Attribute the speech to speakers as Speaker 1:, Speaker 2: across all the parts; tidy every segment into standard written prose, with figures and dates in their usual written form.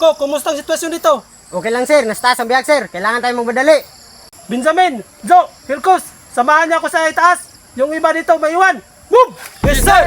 Speaker 1: Ko, kumusta ang sitwasyon dito?
Speaker 2: Okay lang sir, nasta ang biyag sir. Kailangan tayong magmadali.
Speaker 1: Benjamin, Joe, Hilcos, samahan niyo ako sa itaas. Yung iba dito maiwan. Move! Yes, sir!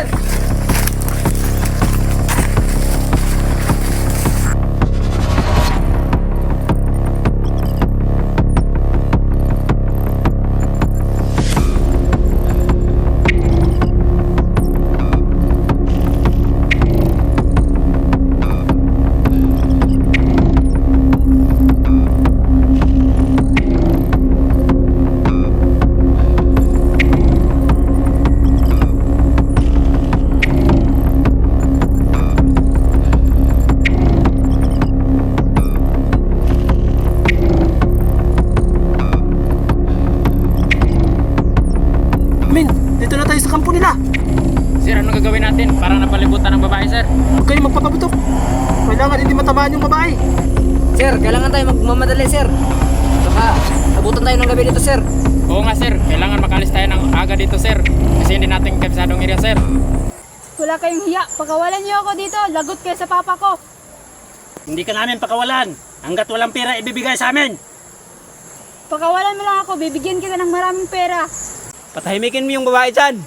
Speaker 1: Min, dito na tayo sa kampo nila.
Speaker 3: Sir, anong gagawin natin? Parang napalibutan ng babae, sir.
Speaker 1: Huwag kayong magpapabutok. Kailangan hindi matamaan yung babae.
Speaker 2: Sir, kailangan tayo magmamadali sir. Baka abutan tayo ng gabi dito sir.
Speaker 3: Oo nga, sir. Kailangan makalis tayo ng aga dito, sir. Kasi hindi natin kabisadong area, sir.
Speaker 4: Wala kayong hiya. Pagkawalan niyo ako dito, lagot kayo sa papa ko.
Speaker 1: Hindi ka namin pakawalan. Hanggat walang pera ibibigay sa amin.
Speaker 4: Pagkawalan mo lang ako, bibigyan kita ng maraming pera.
Speaker 1: Patahimikin mo yung babae dyan.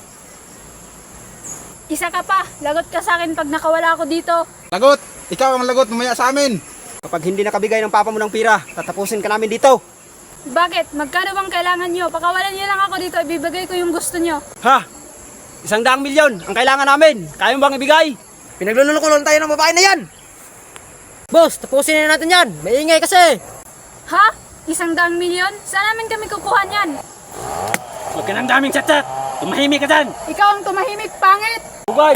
Speaker 4: Isa ka pa, lagot ka sa akin pag nakawala ako dito.
Speaker 5: Lagot! Ikaw ang lagot mamaya sa amin!
Speaker 2: Kapag hindi nakabigay ng papa mo ng pira, tatapusin ka namin dito.
Speaker 4: Bakit? Magkano bang kailangan niyo? Pagkawalan niyo lang ako dito, ibibigay ko yung gusto niyo.
Speaker 1: Ha? 100,000,000 ang kailangan namin. Kaya mo bang ibigay?
Speaker 2: Pinagluloko lang tayo ng babae na yan. Boss, tapusin na natin yan. Maingay kasi.
Speaker 4: Ha? 100,000,000? Saan namin kami kukuha niyan?
Speaker 1: Huwag ka ng daming chat-chat. Tumahimik ka dyan.
Speaker 4: Ikaw ang tumahimik, pangit!
Speaker 1: Bugay!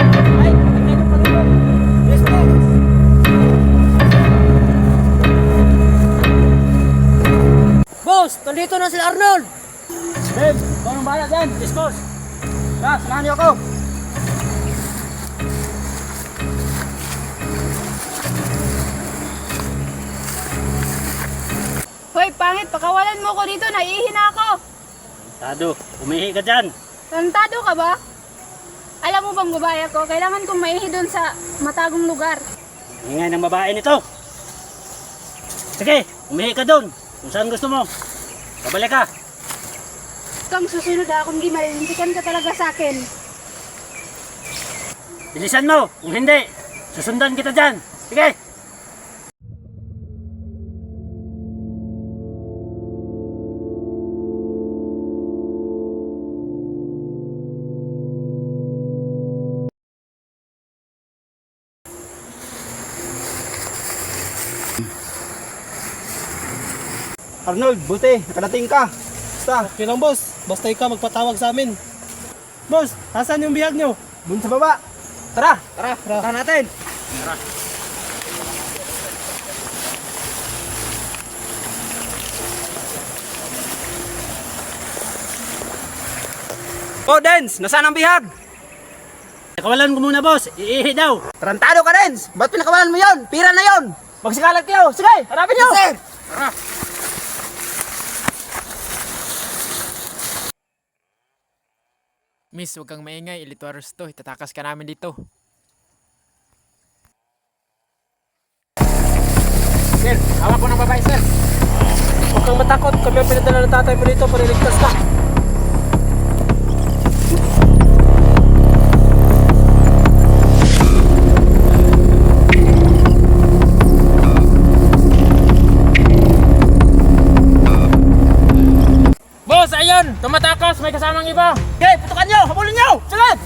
Speaker 2: Boss, nandito na sila Arnold.
Speaker 1: Babe, ikaw ang bahala dyan. Dispose. Samahan niyo ako.
Speaker 4: Hoy, pangit, pakawalan mo ko dito, naiihina ako.
Speaker 1: Tado, umihi ka dyan.
Speaker 4: Tantado ka ba? Alam mo bang babae ako, kailangan kong maihi doon sa matagong lugar.
Speaker 1: Ingay ng babae nito. Sige, umihi ka doon. Kung saan gusto mo. Babalik ka.
Speaker 4: Kung susunod kung di malilintikan ka talaga sa akin.
Speaker 1: Bilisan mo. Kung hindi, susundan kita dyan. Sige.
Speaker 5: Arnold, buti, nakadating ka. Basta,
Speaker 1: Okay lang, boss. Basta ikaw magpatawag sa amin. Boss, asan yung bihag nyo?
Speaker 5: dun sa baba. Tara, tara natin.
Speaker 2: Oh, Dens, nasaan ang bihag?
Speaker 1: Nakawalan ko muna, boss. Iihi daw.
Speaker 2: Tarantado ka, Dens. Ba't pinakawalan mo yon? Pira na yon. Magsikalat kayo. Sige, harapin nyo. Sir.
Speaker 3: Miss, huwag kang maingay. Ilituaros to. Itatakas ka namin dito. Sir, hawak ko ng babae, sir.
Speaker 1: Huwag kang matakot. Kami ang pinadala ng tatay mo dito para iligtas ka.
Speaker 3: Boss, ayun! Tumatakas! May kasamang iba!
Speaker 2: Okay, putukan nyo. Habulin nyo. Sige.